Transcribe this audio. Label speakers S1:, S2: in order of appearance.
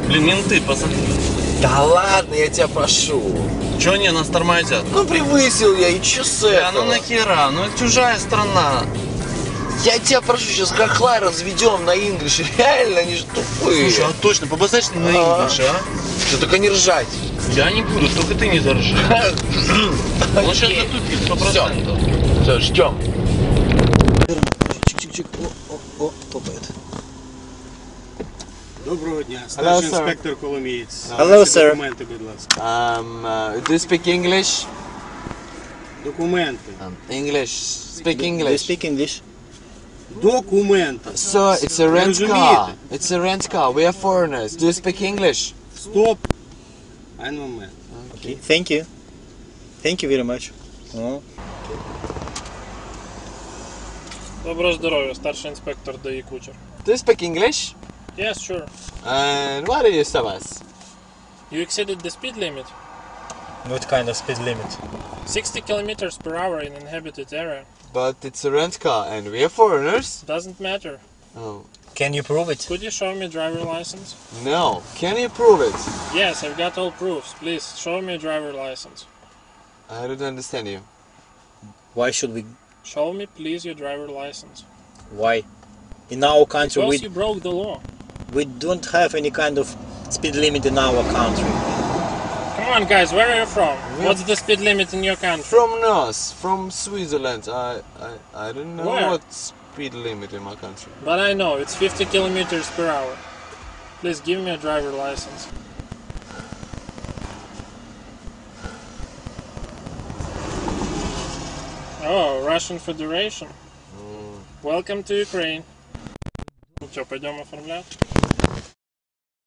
S1: Блин, менты, посмотри.
S2: Да ладно, я тебя прошу.
S1: Чё они нас тормозят?
S2: Ну превысил я, и чё с
S1: Да,
S2: этого?
S1: ну нахера? Ну это чужая страна.
S2: Я тебя прошу, сейчас хохла разведем на инглиш. Реально, они же тупые.
S1: Слушай, а точно, побазарь на инглиш, а?
S2: Что, только не ржать.
S1: Я не буду, только ты не заржи. Он сейчас затупит, 100%.
S2: Все, ждем.
S3: Чик-чик-чик. О, топает.
S4: Доброго дня,
S2: Hello,
S4: старший
S2: sir.
S4: інспектор Коломієць.
S3: Hello,
S4: Ваші
S3: sir.
S4: Документи, будь ласка.
S2: Do you speak English?
S4: Документи.
S2: English. Speak
S3: Do you
S2: English.
S3: speak English?
S4: Документи.
S2: Sir, it's a rent
S4: Розумієте?
S2: car. It's a rent car. We are foreigners. Do you speak English?
S4: Стоп. Один момент.
S3: Okay. Thank you. Thank you very much. О.
S5: Доброго здоров'я, старший інспектор ДАІ Кучер.
S2: Do you speak English?
S5: Yes, sure.
S2: And what do you tell us?
S5: You exceeded the speed limit.
S3: What kind of speed limit?
S5: 60 kilometers per hour in inhabited area.
S2: But it's a rent car and we are foreigners.
S5: Doesn't matter.
S2: Oh.
S3: Can you prove it?
S5: Could you show me driver license?
S2: No. Can you prove it?
S5: Yes, I've got all proofs. Please, show me a driver license.
S2: I don't understand you.
S3: Why should we?
S5: Show me, please, your driver license.
S3: Why? In our country,
S5: Because you broke the law.
S3: we don't have any kind of speed limit in our country.
S5: Come on, guys, where are you from? What's the speed limit in your country?
S2: From North, from Switzerland. I don't know
S5: Where?
S2: what speed limit in my country.
S5: But I know, it's 50 kilometers per hour. Please, give me a driver license. Oh, Russian Federation. Welcome to Ukraine. Ну что, пойдем оформлять?